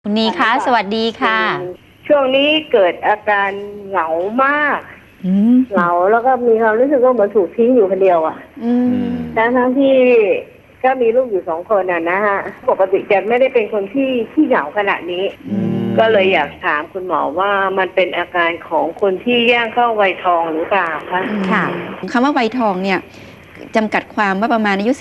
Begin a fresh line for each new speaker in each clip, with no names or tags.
คุณนีคะสวัสดีค่ะ
ช่วงนี้เกิดอาการเหงามากเหงาแล้วก็มีความรู้สึกว่าเหมือนถูกทิ้งอยู่คนเดียวอ่ะทั้งที่ก็มีลูกอยู่2 คนนะฮะปกติจะไม่ได้เป็นคนที่เหงาขนาดนี้ก็เลยอยากถามคุณหมอว่ามันเป็นอาการของคนที่ย่างเข้าวัยทองหรือเปล่าคะ
ค่ะคำว่าวัยทองเนี่ยจำกัดความว่าประมาณอายุ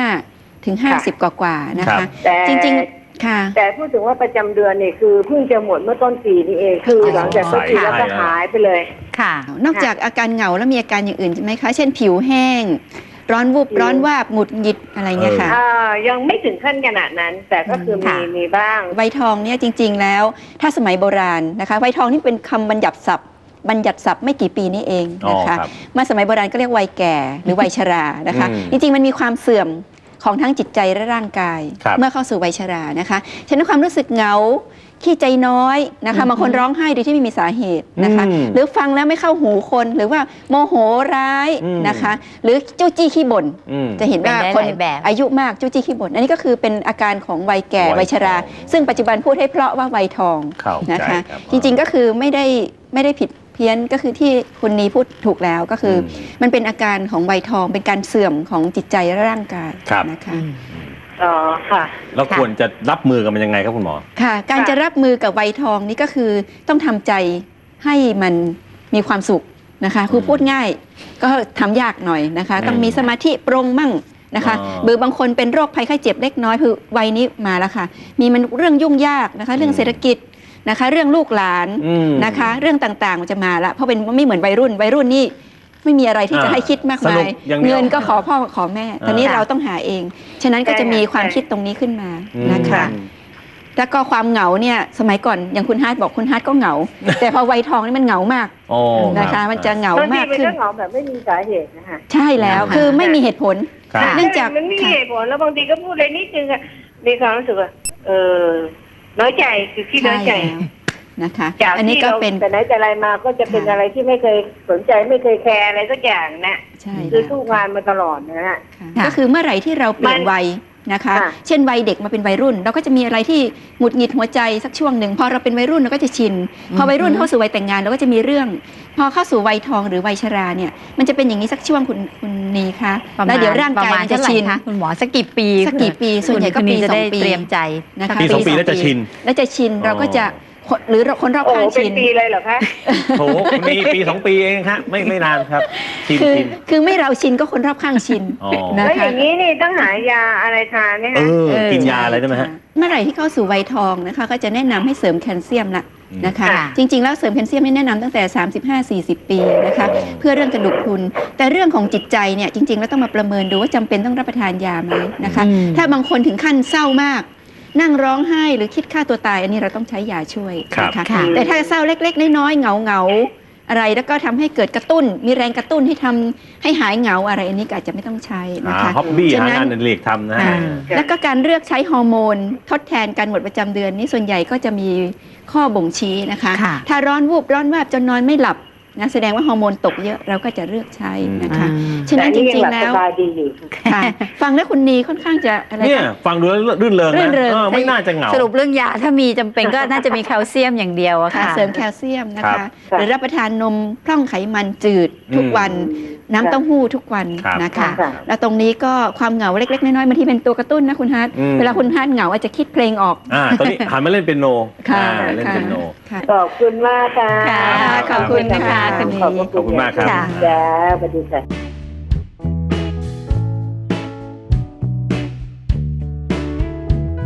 45 ถึง 50 กว่าๆนะคะจริงๆค่ะ
แต่พูดถึงว่าประจำเดือนเนี่ยคือเพิ่งจะหมดเมื่อต้นปีนี้เองคือหลังจากต้นปีแล้วก็หายไปเลย
ค่ะนอกจากอาการเหงาแล้วมีอาการอย่างอื่นใช่ไหมคะเช่นผิวแห้งร้อนวูบร้อนวาบหงุดหงิดอะไรเงี้ยค่ะ
ยังไม่ถึงขั้นขนาดนั้นแต่ก็คือมีบ้าง
วัยทองเนี่ยจริงๆแล้วถ้าสมัยโบราณนะคะวัยทองนี่เป็นคำบัญญัติศัพท์ไม่กี่ปีนี้เองนะคะมาสมัยโบราณก็เรียกวัยแก่หรือวัยชรานะคะจริงๆมันมีความเสื่อมของทั้งจิตใจและร่างกายเมื่อเข้าสู่วัยชรานะคะฉะนั้นความรู้สึกเหงาขี้ใจน้อยนะคะบางคนร้องไห้โดยที่ไม่มีสาเหตุนะคะหรือฟังแล้วไม่เข้าหูคนหรือว่าโมโหร้ายนะคะหรือจู้จี้ขี้บ่นจะเห็นว่าคนอายุมากจู้จี้ขี้บ่นอันนี้ก็คือเป็นอาการของวัยแก่วัยชราซึ่งปัจจุบันพูดให้เพราะว่าวัยทองนะคะจริงๆก็คือไม่ได้ผิดเพี้ยนก็คือที่คุณนีพูดถูกแล้วก็คือมันเป็นอาการของวัยทองเป็นการเสื่อมของจิตใจและร่างกายนะคะ
อ๋อค่ะ
เราควรจะรับมือกับมันยังไงครับคุณหมอ
ค่ะการจะรับมือกับวัยทองนี่ก็คือต้องทำใจให้มันมีความสุขนะคะคือพูดง่ายก็ทำยากหน่อยนะคะต้องมีสมาธิปรงมั่งนะคะบางคนเป็นโรคภัยไข้เจ็บเล็กน้อยคือวัยนี้มาแล้วค่ะมีมันเรื่องยุ่งยากนะคะเรื่องเศรษฐกิจนะคะเรื่องลูกหลานนะคะเรื่องต่างๆมันจะมาละเพราะเป็นไม่เหมือนวัยรุ่นนี่ไม่มีอะไรที่จะให้คิดมากมายเงินก็ขอพ่อขอแม่ตอนนี้เราต้องหาเองฉะนั้นก็จะมีความคิดตรงนี้ขึ้นมานะคะแล้วก็ความเหงาเนี่ยสมัยก่อนอย่างคุณฮาร์ดบอกคุณฮาร์ดก็เหงาแต่พอวัยทองนี่มันเหงามากนะคะมันจะเหงามากขึ้น
เหงาแบบไม่มีสาเหตุนะคะ
ใช่แล้วคือไม่มีเหตุผล
เนื่องจากมันไม่มีเหตุผลแล้วบางทีก็พูดอะไรนิดนึงมีความรู้สึกว่าน้อยใจคือที่น้อยใจ
นะคะอันนี้ก็เป็น
แต่ไหนแต่ไรมาก็จะเป็นอะไรที่ไม่เคยสนใจไม่เคยแคร์อะไรสักอย่างนะคือสู้งานมาตลอดนะฮะ
ก็คือเมื่อไหร่ที่เราเปลี่ยนวัยนะคะเช่นวัยเด็กมาเป็นวัยรุ่นเราก็จะมีอะไรที่หงุดหงิดหัวใจสักช่วงหนึ่งพอเราเป็นวัยรุ่นเราก็จะชินพอวัยรุ่นเข้าสู่วัยแต่งงานเราก็จะมีเรื่องพอเข้าสู่วัยทองหรือวัยชราเนี่ยมันจะเป็นอย่างนี้สักช่วงคุณนีคะแล้วเดี๋ยวร่างกายมันจะชิน
คุณหมอสักกี่ปี
ส่วนใหญ่ก็ปี2 ปี
เตรียมใจ
นะคะ
ปี2 ปีแล้วจะชิน
เราก็จะหรือคนรอบข้างชิน
เป็นปีเลยเหรอคะ
โถมีปี 2 ปีเองครับไม่นานครับ
คือไม่เราชินก็คนรอบข้างชิน
นะคะแล้วอย่างนี้นี่ต้องหายาอะไรทานไหมคะ
กินยาอะไรได้ไหมฮะ
เมื่อไหร่ที่เข้าสู่วัยทองนะคะก็จะแนะนำให้เสริมแคลเซียมละนะคะจริงๆแล้วเสริมแคลเซียมนี่แนะนำตั้งแต่35-40 ปีนะคะเพื่อเรื่องกระดูกพรุนแต่เรื่องของจิตใจเนี่ยจริงๆแล้วต้องมาประเมินดูว่าจำเป็นต้องรับประทานยาไหมนะคะถ้าบางคนถึงขั้นเศร้ามากนั่งร้องไห้หรือคิดฆ่าตัวตายอันนี้เราต้องใช้ยาช่วยนะคะแต่ถ้าเศร้าเล็กๆน้อยๆเหงาอะไรแล้วก็ทำให้เกิดกระตุ้นมีแรงกระตุ้นให้ทำให้หายเหงาอะไรอันนี้ก็อาจจะไม่ต้องใช้นะคะ
ฮ็อบบี้หางานเล็กทำนะ
แล้วก็การเลือกใช้ฮอร์โมนทดแทนการหมดประจำเดือนนี้ส่วนใหญ่ก็จะมีข้อบ่งชี้นะคะถ้าร้อนวูบร้อนวาบจนนอนไม่หลับนะแสดงว่าฮอร์โมนตกเยอะเราก็จะเลือกใช้นะคะฉะนั้นจริงๆแล้วฟังแล้วคุณนีค่อนข้างจะอะไร
เนี่ยฟังดูแล้วรื่นเริงนะไม่น่าจะเหงา
สรุปเรื่องยาถ้ามีจำเป็นก็น่าจะมีแคลเซียมอย่างเดียวอะค่ะ
เสริมแคลเซียมนะคะหรือรับประทานนมพร่องไขมันจืดทุกวันน้ำเต้าหู้ทุกวันนะคะแล้วตรงนี้ก็ความเหงาเล็กๆน้อยๆบางทีเป็นตัวกระตุ้นนะคุณฮาร์ดเวลาคุณฮาร์ดเหงาอาจจะคิดเพลงออก
ตอนนี้หันมาเล่นเปียโนเล่นเปียโน
ขอบคุณมากค่ะ
ขอบคุณนะคะ
ขอบคุณมากครับ
จ้าสวัสดีค่ะ